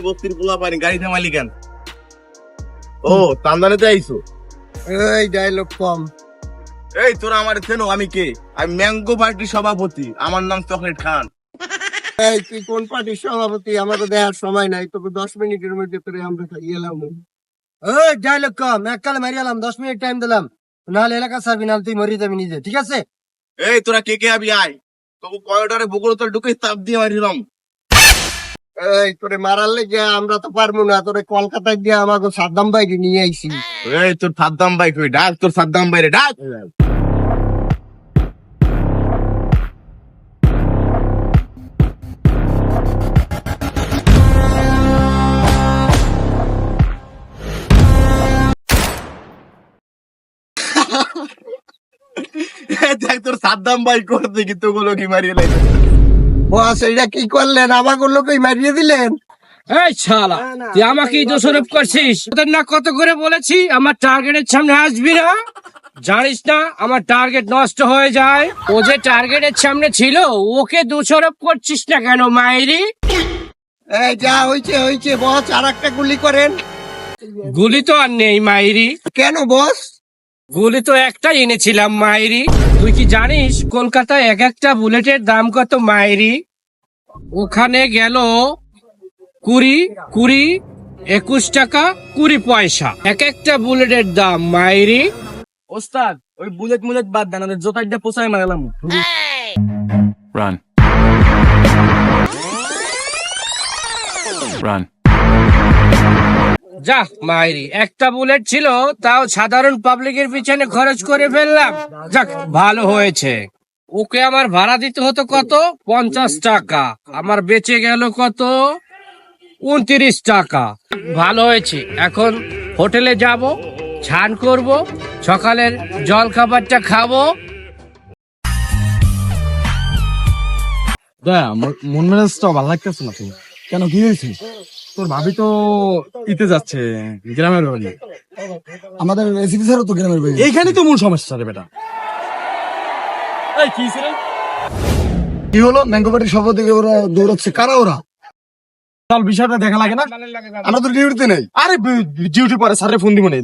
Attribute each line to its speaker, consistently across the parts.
Speaker 1: বস্তির পোলা পানি গাড়ি থামালি কেন? ও তান্দানেতে আইছো?
Speaker 2: এই ডায়লগ কম।
Speaker 1: এই তোরা আমার চেনো? আমি কে? আমি ম্যাঙ্গো পার্টির সভাপতি, আমার নাম চকলেট খান।
Speaker 2: এই তুই কোন পার্টির সভাপতি? আমাকে দেখার সময় নাই, তোকে 10 মিনিটের মধ্যে তোরে আমরা খাইয়ে এলাম। ওই ডায়লগ কম, এককালে মারি এলাম, 10 মিনিট টাইম দিলাম, নাহলে এলাকা ছাড়বি, নাহলে তুই মরি যাবি নিজে, ঠিক আছে?
Speaker 1: এই তোরা কে কে আবি আয়, তোকে কয়টারে বগুড়া তোর ঢুকে চাপ দিয়ে মারিলাম।
Speaker 2: এই তোরে মারার লেগে আমরা তো পারবো না, তোরে কলকাতায় গিয়ে আমাকে সাদ্দাম বাইরে নিয়ে আইছি।
Speaker 1: এই তোর সাদ্দাম ভাই কই? ডাক তোর সাদ্দাম ভাইরে ডাক। দেখ তোর সাদ্দাম ভাই করতে কি তোগুলো কি মারিয়ে লাগে।
Speaker 2: বস এটা কি করলেন? আমাকে লোকই মারিয়ে দিলেন।
Speaker 3: এই শালা, তুই আমাকেই দোষারোপ করছিস। তোদের না কত করে বলেছি আমার টার্গেটের সামনে আসবি না? জানিস না আমার টার্গেট নষ্ট হয়ে যায়? ও যে টার্গেটের সামনে ছিল, ওকে দোষারোপ করছিস না কেন মাইরি?
Speaker 2: এই যা হয়েছে হয়েছে বস, আর একটা গুলি করেন।
Speaker 3: গুলি তো আর নেই মাইরি।
Speaker 2: কেন বস?
Speaker 3: গুলি তো একটাই এনেছিলাম মাইরি। তুই কি জানিস কলকাতায় এক একটা বুলেটের দাম কত মাইরি? ওখানে গেল 20, 20, 21 টাকা 20 পয়সা এক একটা বুলেটের দাম মাইরি।
Speaker 1: ওস্তাদ ওই বুলেট মুলেট বাদ দেন, ওদের জোতাইটা পোষায় মারালাম।
Speaker 4: Run. Run.
Speaker 3: যা মাইরি, একটা বুলেট ছিল, তাও সাধারণ পাবলিকের পিছনে খরচ করে ফেললাম। যাক ভালো হয়েছে। ওকে আমার ভাড়া দিতে হতো কত? 50 টাকা, আমার বেঁচে গেল কত? 29 টাকা। ভালো হয়েছে, এখন হোটেলে যাব, স্নান করব, সকালের জল খাবারটা খাবো।
Speaker 5: মন মেজাজটা ভালো লাগতেছে না। কেন, কি হয়েছে? তোর ভাবি তো ইতে যাচ্ছে গ্রামের বাড়ি। আমাদের এসিপি স্যারও তো গ্রামের বাড়ি। এইখানেই তো মূল সমস্যা রে বেটা। এই কি ছিল? কি হলো? ম্যাঙ্গো পার্টির সভাপতি ওরা দৌড়াচ্ছে, কারা ওরা? চল বিষয়টা দেখা লাগে না? আমরা তো ডিউটিতে নেই। আরে ডিউটি পরে স্যারের ফোন দিব না।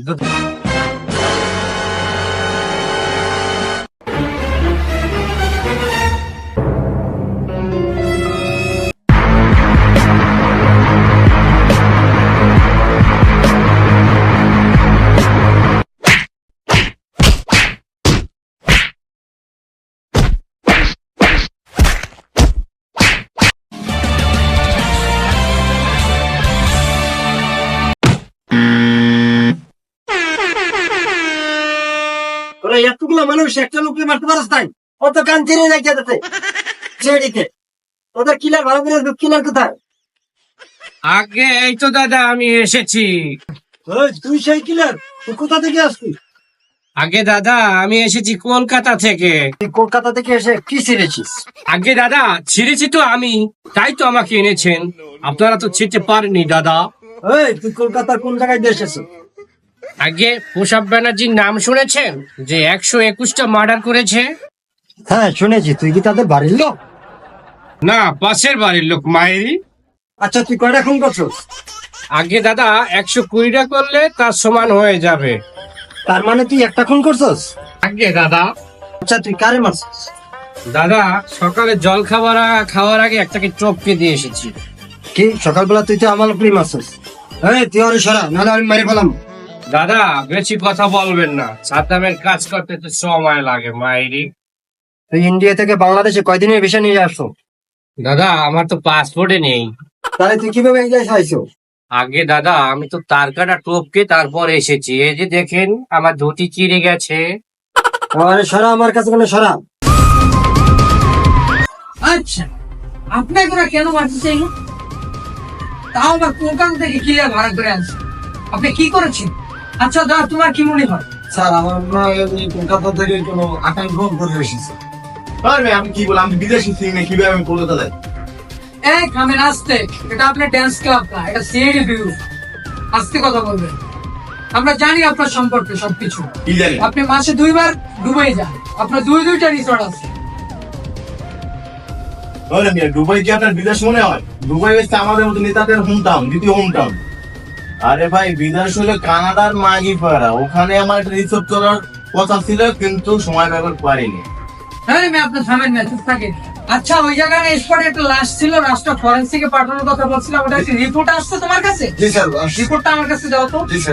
Speaker 2: তোরা এতগুলো মানুষ একটা লোককে মারতে পারস তাই? অত কান ছেড়ে যাই যাতে ছেড়ে ওদের কিলার ভালো করে কিলার কোথায়?
Speaker 3: আগে এই তো দাদা আমি এসেছি।
Speaker 2: তুই সেই কিলার? তুই কোথা থেকে আসবি?
Speaker 3: আগে দাদা আমি এসেছি কলকাতা থেকে।
Speaker 2: তুই কলকাতা থেকে এসে কি ছিঁড়েছিস?
Speaker 3: আগে দাদা ছিঁড়েছি তো আমি, তাই তো আমাকে এনেছেন। আপনারা তো ছিঁড়তে পারেননি দাদা।
Speaker 2: তুই কলকাতার কোন জায়গায় দিয়ে এসেছিস?
Speaker 3: আগে প্রসাদ ব্যানার্জির নাম শুনেছেন, যে 121টা মার্ডার করেছে?
Speaker 2: হ্যাঁ শুনেছি। তুই কি তাদের বাড়ির লোক?
Speaker 3: না, পাশের বাড়ির লোক মায়েরি।
Speaker 2: আচ্ছা তুই কয়টা খুন করছিস?
Speaker 3: আগে দাদা 120টা করলে তার সমান হয়ে যাবে।
Speaker 2: তার মানে তুই একটা খুন করছিস?
Speaker 3: আগে দাদা।
Speaker 2: আচ্ছা তুই কারে মারছিস?
Speaker 3: দাদা সকালে জল খাওয়ার আগে একটাকে টপকে দিয়ে এসেছি।
Speaker 2: কি সকালবেলা তুই তো আমার উপরই মারছিস? তুই আরে সরা, নাহলে আমি মেরে ফেলাম।
Speaker 3: দাদা বেশি কথা বলবেন না, সাদ্দামের কাজ করতে তো সময় লাগে মায়েরি।
Speaker 2: তুই ইন্ডিয়া থেকে বাংলাদেশে কয়দিনের ভিসা নিয়ে আসছো?
Speaker 3: দাদা আমার তো পাসপোর্টে নেই।
Speaker 2: তাহলে তুই কিভাবে এই দেশে আইছো?
Speaker 3: আগে দাদা আমি তো তার কাটা টপকে তারপর এসেছি। এই যে দেখেন আমার ধুতি চিড়ে গেছে।
Speaker 2: আরে সরা আমার কাছে, কোনো সরা।
Speaker 6: আচ্ছা আপনাকে ওরা কেন মারতে চাইল? তাও আবার কলকাতা থেকে কিলার ভাড়া করে আনছে। আপনি কি করেছেন? আচ্ছা দাদা তোমার কি মনে হয়?
Speaker 5: স্যার আমার কলকাতা থেকে কোনো আকাঙ্ক্ষা ফোন করে এসেছে।
Speaker 1: আমি কি বললাম? আমি বিদেশি সিং না, কিভাবে আমি কলকাতা যাই?
Speaker 6: এক কামেন আসতে, এটা আপনার ড্যান্স ক্লাব না, এটা সিআইডি বিউরো। আস্তে কথা বলবেন। আমরা জানি আপনার সম্পর্কে সবকিছু।
Speaker 1: কি জানি?
Speaker 6: আপনি মাসে 2 বার দুবাই যান, আপনার 2টা রিসোর্ট আছে।
Speaker 1: ওরে মিয়া, দুবাই কি আপনার বিদেশ মনে হয়? দুবাই হচ্ছে আমাদের মতো নেতাদের হোম টাউন, দ্বিতীয় হোম টাউন। আরে ভাই, বিদেশ হলো কানাডার মাগি পাড়া। ওখানে আমার একটা রিসোর্ট করার কথা ছিল, কিন্তু সময় ব্যবহার পারিনি।
Speaker 6: হ্যাঁ আমি আপনার থামেন না, চুপ থাকেন। আচ্ছা, ওই জায়গায় স্পটে একটা লাশ ছিল, লাশটা ফরেন্সিকে পাঠানোর কথা বলছিলাম, ওটা কি রিপোর্ট আসছে তোমার কাছে?
Speaker 2: জি স্যার।
Speaker 6: রিপোর্টটা আমার কাছে দাও তো।
Speaker 2: জি স্যার।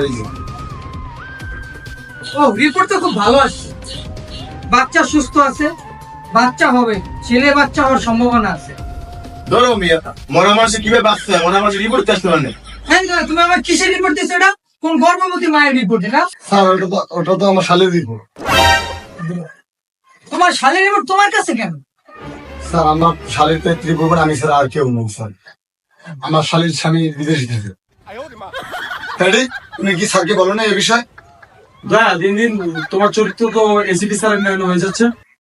Speaker 6: ও, রিপোর্ট তো খুব ভালো আসছে। বাচ্চা সুস্থ আছে, বাচ্চা হবে, ছেলে বাচ্চা হওয়ার সম্ভাবনা আছে।
Speaker 1: ধরো মিয়া, মরা মানুষে কিভাবে বাঁচতে হয়, মরা মানুষের রিপোর্ট আসতে পারে।
Speaker 6: হ্যাঁ দাদা, তুমি আমার কিসের রিপোর্ট দিচ্ছ? এটা কোন গর্ভবতী মায়ের রিপোর্ট? এটা
Speaker 2: স্যার ওটা তো আমার শালের রিপোর্ট।
Speaker 6: তোমার শালের রিপোর্ট তোমার কাছে কেন?
Speaker 2: স্যার আমার শালের তো রিপোর্ট, আমি স্যার আর কেউ নেই স্যার। আমার শালের স্বামী বিদেশি থাকে। তুমি কি স্যারকে বলো না এই বিষয়?
Speaker 5: দয়া, দিন দিন তোমার চরিত্র তো এসিপি স্যারের নয়ন হয়ে যাচ্ছে।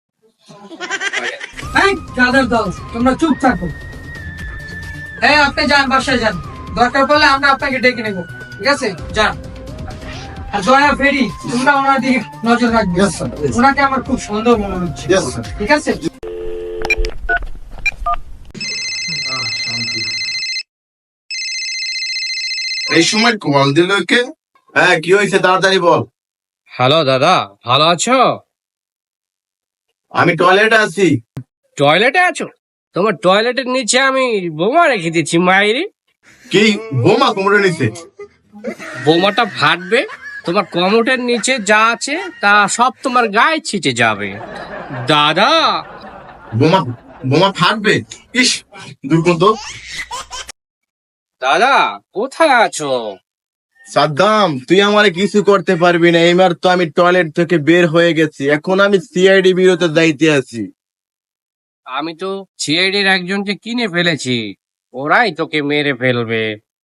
Speaker 6: হ্যাঁ গাদার দল, তোমরা চুপ থাকো। হ্যাঁ, আপনি যান, বাসায় যান। দরকার পড়লে আমরা আপনাকে ডেকে নেবো, ঠিক আছে? যান। আর দয়া ফেরি, তোমরা ওনার দিকে নজর রাখবে।
Speaker 2: Yes, sir. Yes.
Speaker 6: ওনাকে আমার খুব সুন্দর মনে হচ্ছে,
Speaker 2: Yes, sir.
Speaker 6: ঠিক আছে?
Speaker 1: এই সময় কল দিল কে? হ্যাঁ, কি হয়েছে তাড়াতাড়ি বল।
Speaker 3: হ্যালো দাদা, ভালো আছো?
Speaker 1: আমি টয়লেটে আছি।
Speaker 3: টয়লেটে আছো? তোমার টয়লেটের নিচে আমি বোমা রেখে দিচ্ছি মাইরি।
Speaker 1: কি বোমা কোমরে নিছে?
Speaker 3: বোমাটা ফাটবে, তোমার কমোটের নিচে যা আছে তা সব তোমার গায়ে ছিটে যাবে দাদা।
Speaker 1: বোমা বোমা ফাটবে? ইস, দুর্গন্ধ।
Speaker 3: দাদা কোথায় আছো?
Speaker 1: সাদ্দাম, তুই আমারে কিছু করতে পারবি না। এইবার তো আমি টয়লেট থেকে বের হয়ে গেছি, এখন আমি সিআইডি বিরোতে দায়িত্বে আছি।
Speaker 3: আমি তো সিআইডির একজনকে কিনে ফেলেছি, ওরাই তোকে মেরে ফেলবে।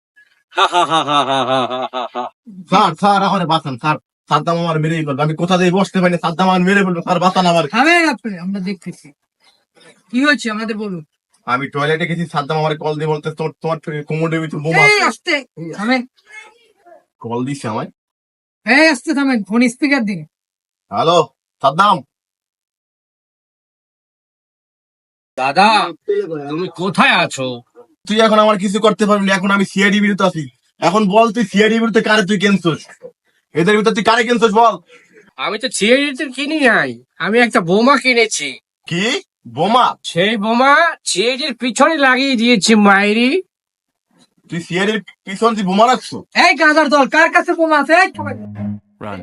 Speaker 1: স্যার আমার বাঁচান স্যার। সাদ্দাম আমার মেরেই ফেলবে। আমি কোথা দিয়ে বসতে পারি না, সাদ্দাম আমার মেরে ফেলবে। স্যার বাঁচান আমার।
Speaker 6: থামেন আপনি, আমরা দেখতেছি কি হয়েছে, আমাদের বলুন।
Speaker 1: আমি টয়লেটে গেছি, সাদ্দাম আমার কল দিয়ে বলতে তোমার কোমরের ভিতর বোমা।
Speaker 6: এই আস্তে থামেন,
Speaker 1: কল দিছে আমায়।
Speaker 6: এই আস্তে থামেন, ফোন স্পিকার দিন।
Speaker 1: হ্যালো সাদ্দাম।
Speaker 3: দাদা তুমি কোথায় আছো?
Speaker 1: তুই এখন আমার কিছু করতে পারবি না, এখন আমি সিআইডি বিরুদ্ধে আছি। এখন বল, তুই সিআইডি বিরুদ্ধে কারে তুই কেনছোস? এদের ভিতর তুই কারে কেনছোস বল।
Speaker 3: আমি তো সিআইডিতে কিনি নাই, আমি একটা বোমা কিনেছি।
Speaker 1: কি বোমা?
Speaker 3: সেই বোমা সিআইডির পিছনে লাগিয়ে দিয়েছি মাইরি।
Speaker 1: তুই সিআইডির পিছন তুই বোমা রাখছো?
Speaker 6: এই গাদার দল, কার কাছে বোমা আছে? এই থামেন।
Speaker 4: Run.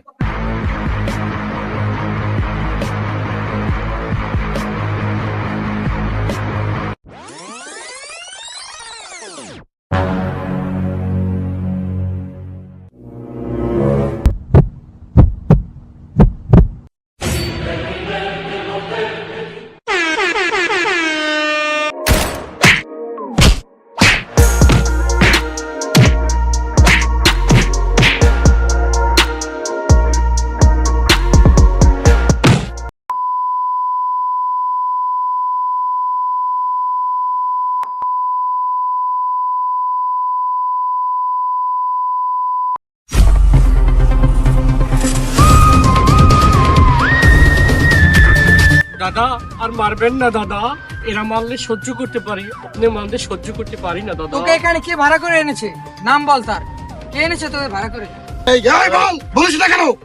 Speaker 3: দাদা আর মারবেন না দাদা, এরা মারলে সহ্য করতে পারি, আপনি মারলে সহ্য করতে পারি না দাদা।
Speaker 6: তোকে এখানে কে ভাড়া করে এনেছে? নাম বল তার। কে এনেছে তোকে ভাড়া করে?
Speaker 2: বলিস না কেন?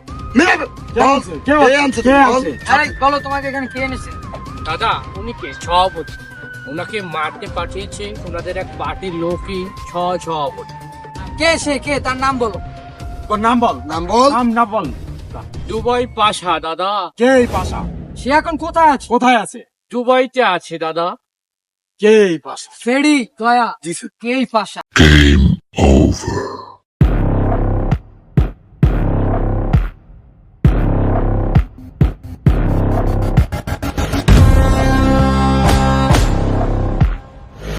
Speaker 6: আরে বলো, তোমাকে এখানে কে এনেছে?
Speaker 3: দাদা উনি কে? সভাপতি। ওনাকে মারতে পাঠিয়েছে ওনাদের এক পার্টির লোকই সভাপতি।
Speaker 6: কে সে? কে? তার নাম বলো।
Speaker 5: নাম বল।
Speaker 2: নাম বল।
Speaker 5: নাম বল।
Speaker 3: দুবাই পাশা দাদা।
Speaker 5: কে এই পাশা?
Speaker 6: সে এখন কোথায় আছে?
Speaker 5: কোথায় আছে?
Speaker 3: দুবাইতে আছে দাদা।
Speaker 5: কে এই পাশা?
Speaker 6: ফেরি দয়া,
Speaker 2: জি স্যার।
Speaker 6: কে এই পাশা?
Speaker 7: Game over.